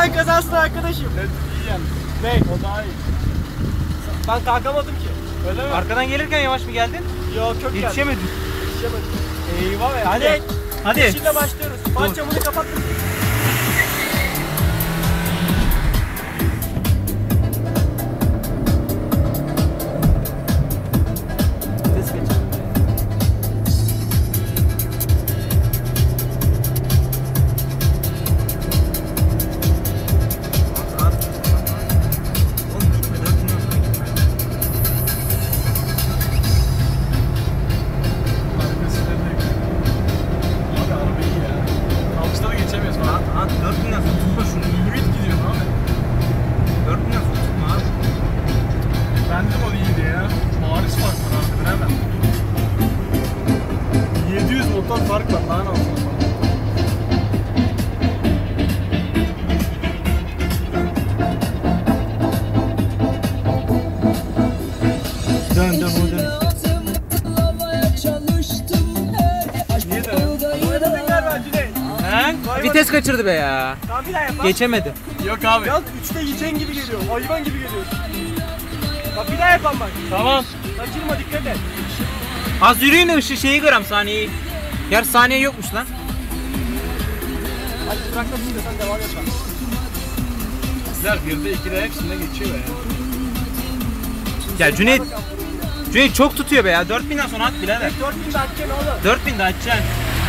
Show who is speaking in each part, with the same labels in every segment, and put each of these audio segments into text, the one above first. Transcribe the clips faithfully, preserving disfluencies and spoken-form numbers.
Speaker 1: Sen kazansın arkadaşım.
Speaker 2: Ben iyi yani.
Speaker 1: Ne?
Speaker 2: O daha iyi.
Speaker 1: Ben kalkamadım ki.
Speaker 2: Öyle mi?
Speaker 3: Arkadan gelirken yavaş mı geldin?
Speaker 1: Yok çok geldi.
Speaker 3: Yetişemedin.
Speaker 1: Yetişemedim.
Speaker 3: Eyvah be.
Speaker 1: Hadi.
Speaker 3: Hadi.
Speaker 1: Yeşille başlıyoruz. Fan camını kapattım.
Speaker 2: Fark var daha ne olsun.
Speaker 3: Dön dön o dön.
Speaker 2: Niye de?
Speaker 3: He? Vites kaçırdı be ya.
Speaker 1: Tamam bir daha yap.
Speaker 3: Geçemedi.
Speaker 2: Yok abi.
Speaker 1: Yalnız üçte yiyeceğin gibi geliyor. Hayvan gibi geliyor. Bak bir daha yapalım bak.
Speaker 2: Tamam.
Speaker 1: Kaçırma dikkat et.
Speaker 3: Az yürüyün de ışığı şeyi gram saniyeyi. Yer saniye yokmuş lan.
Speaker 1: Hadi bırakmasın da sen devam et bak.
Speaker 2: Güzel birde ikide hepsinde geçiyor be
Speaker 3: Ya Cüneyt, Cüneyt çok tutuyor be ya. dört binden sonra at birader.
Speaker 1: dört bin de atacaksın oğlum.
Speaker 3: dört bin de açacaksın.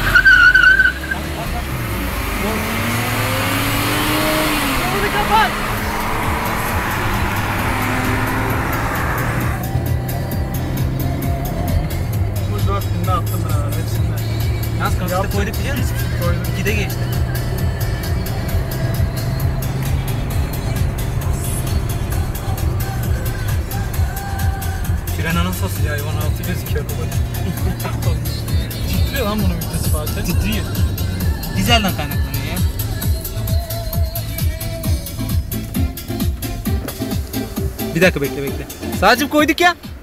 Speaker 1: Bunu kapat.
Speaker 2: Bu dört binde attım ben abi hepsinden.
Speaker 3: Yalnız kaçta koyduk biliyor musun?
Speaker 2: Koydum.
Speaker 3: ikide geçti. Fren anasası ya hayvan altı gözüküyor baba.
Speaker 2: Titriyor lan bunun vitesi Fatih.
Speaker 3: Titriyor. Dizelden kaynaklanıyor ya. Bir dakika bekle bekle. Sadece koyduk ya.